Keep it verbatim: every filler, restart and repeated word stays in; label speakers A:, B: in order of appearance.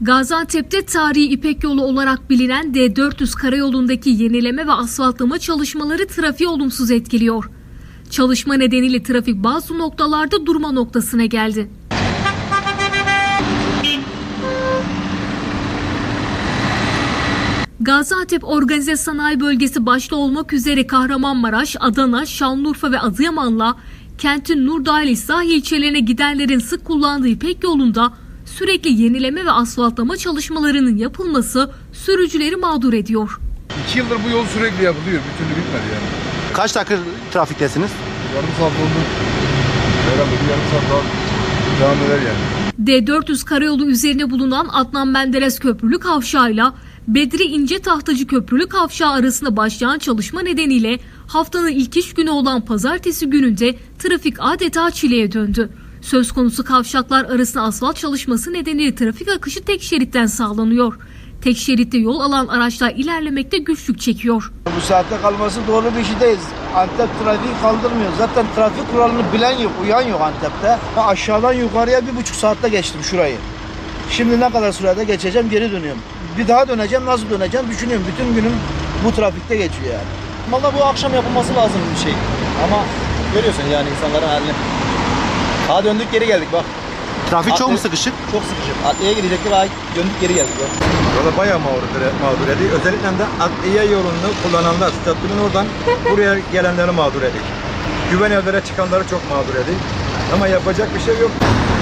A: Gaziantep'te tarihi İpek Yolu olarak bilinen D dört yüz karayolundaki yenileme ve asfaltlama çalışmaları trafiği olumsuz etkiliyor. Çalışma nedeniyle trafik bazı noktalarda durma noktasına geldi. Gaziantep Organize Sanayi Bölgesi başta olmak üzere Kahramanmaraş, Adana, Şanlıurfa ve Adıyaman'la kentin Nurdağ ile sahil ilçelerine gidenlerin sık kullandığı İpek Yolu'nda sürekli yenileme ve asfaltlama çalışmalarının yapılması sürücüleri mağdur ediyor.
B: İki yıldır bu yol sürekli yapılıyor. Bir türlü bitmedi yani.
C: Kaç dakika trafiktesiniz?
B: Yarım saat oldu. Herhalde bir yarım saat daha devam eder yani.
A: D dört yüz karayolu üzerine bulunan Adnan Menderes Köprülü Kavşağı'yla Bedri İnce Tahtacı Köprülü Kavşağı arasında başlayan çalışma nedeniyle haftanın ilk iş günü olan pazartesi gününde trafik adeta çileye döndü. Söz konusu kavşaklar arasında asfalt çalışması nedeniyle trafik akışı tek şeritten sağlanıyor. Tek şeritte yol alan araçlar ilerlemekte güçlük çekiyor.
D: Bu saatte kalması doğru bir şey değil. Antep trafiği kaldırmıyor. Zaten trafik kuralını bilen yok, uyan yok Antep'te. Ben aşağıdan yukarıya bir buçuk saatte geçtim şurayı. Şimdi ne kadar sürede geçeceğim, geri dönüyorum. Bir daha döneceğim, nasıl döneceğim düşünüyorum. Bütün günüm bu trafikte geçiyor yani.
E: Valla bu akşam yapılması lazım bir şey. Ama görüyorsun yani insanların halini. Daha döndük geri geldik bak.
C: Trafik çok mu
E: Adli-
C: sıkışık?
E: Çok sıkışık. Adliyeye gidecektik daha döndük geri geldik bak.
F: Yola bayağı mağdur, mağdur ediyor. Özellikle de adliye yolunu kullananlar, köprünün oradan buraya gelenleri mağdur ediyor. Güven evlere çıkanları çok mağdur ediyor. Ama yapacak bir şey yok.